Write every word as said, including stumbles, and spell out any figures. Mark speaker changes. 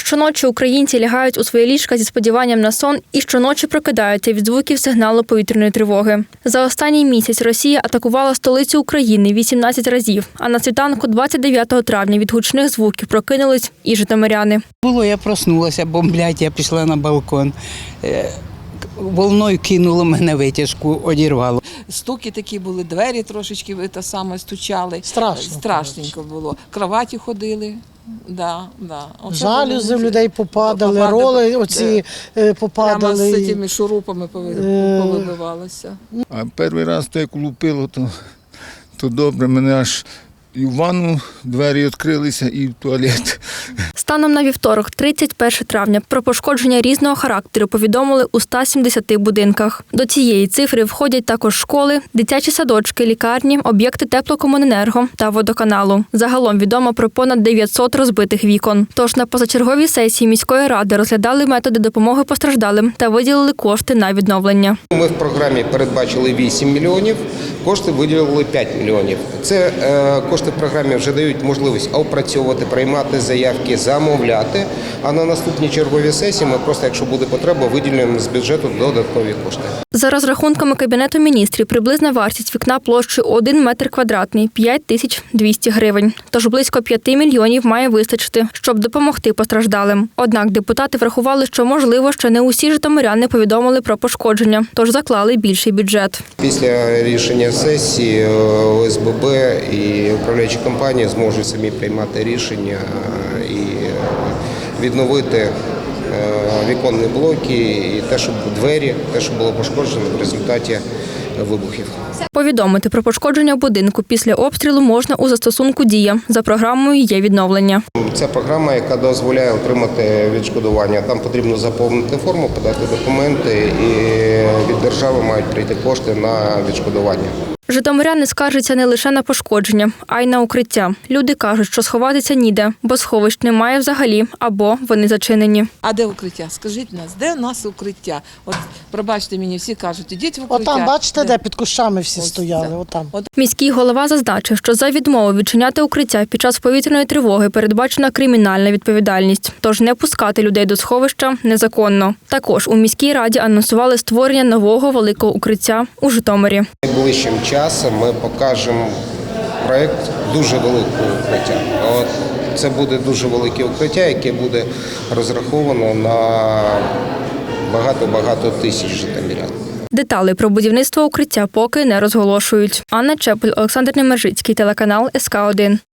Speaker 1: Щоночі українці лягають у свої ліжка зі сподіванням на сон і щоночі прокидаються від звуків сигналу повітряної тривоги. За останній місяць Росія атакувала столицю України вісімнадцять разів, а на світанку двадцять дев'ятого травня від гучних звуків прокинулись і житомиряни.
Speaker 2: Було, я проснулася, бомблять, я пішла на балкон. Волною кинуло мене, витяжку одірвало.
Speaker 3: Стуки такі були, двері трошечки те саме стучали.
Speaker 4: Страшно.
Speaker 3: Страшненько було. Кроваті ходили. Да, да.
Speaker 4: Жалюзи в людей попадали, попадали, роли оці
Speaker 3: да.
Speaker 4: попадали.
Speaker 3: Прямо з цими шурупами повибивалося.
Speaker 5: А перший раз то як лупило, то, то добре, мене аж і в ванну двері відкрилися, і в туалет.
Speaker 1: Станом на вівторок, тридцять перше травня, про пошкодження різного характеру повідомили у ста сімдесяти будинках. До цієї цифри входять також школи, дитячі садочки, лікарні, об'єкти теплокомуненерго та водоканалу. Загалом відомо про понад дев'ятсот розбитих вікон. Тож на позачерговій сесії міської ради розглядали методи допомоги постраждалим та виділили кошти на відновлення.
Speaker 6: Ми в програмі передбачили вісім мільйонів, кошти виділили п'ять мільйонів. Це е, кошти в програмі вже дають можливість опрацьовувати, приймати заявки, замовляти, а на наступній черговій сесії ми просто, якщо буде потреба, виділимо з бюджету додаткові кошти.
Speaker 1: За розрахунками Кабінету міністрів, приблизна вартість вікна площею один метр квадратний – п'ять тисяч двісті гривень. Тож близько п'яти мільйонів має вистачити, щоб допомогти постраждалим. Однак депутати врахували, що, можливо, ще не усі житомиряни повідомили про пошкодження, тож заклали більший бюджет.
Speaker 6: Після рішення сесії О С Б Б і управляючі компанії зможуть самі приймати рішення і відновити віконні блоки і те, що двері, те, що було пошкоджено в результаті вибухів.
Speaker 1: Повідомити про пошкодження будинку після обстрілу можна у застосунку «Дія». За програмою є відновлення.
Speaker 6: Це програма, яка дозволяє отримати відшкодування. Там потрібно заповнити форму, подати документи і від держави мають прийти кошти на відшкодування.
Speaker 1: Житомиряни скаржаться не лише на пошкодження, а й на укриття. Люди кажуть, що сховатися ніде, бо сховищ немає взагалі, або вони зачинені.
Speaker 3: А де укриття? Скажіть нас, де у нас укриття? От, пробачте мені, всі кажуть, ідіть в укриття.
Speaker 4: Отам, бачите,
Speaker 3: де,
Speaker 4: де під кущами всі
Speaker 3: Ось,
Speaker 4: стояли,
Speaker 3: да.
Speaker 4: отам.
Speaker 3: От.
Speaker 1: Міський голова зазначив, що за відмову відчиняти укриття під час повітряної тривоги передбачена кримінальна відповідальність. Тож не пускати людей до сховища незаконно. Також у міській раді анонсували створення нового великого укриття у Житомирі.
Speaker 6: Найближчим часом ми покажемо проєкт дуже великого укриття. От це буде дуже велике укриття, яке буде розраховано на багато-багато тисяч житомирян.
Speaker 1: Деталі про будівництво укриття поки не розголошують. Анна Чепель, Олександр Немержицький, телеканал С К один.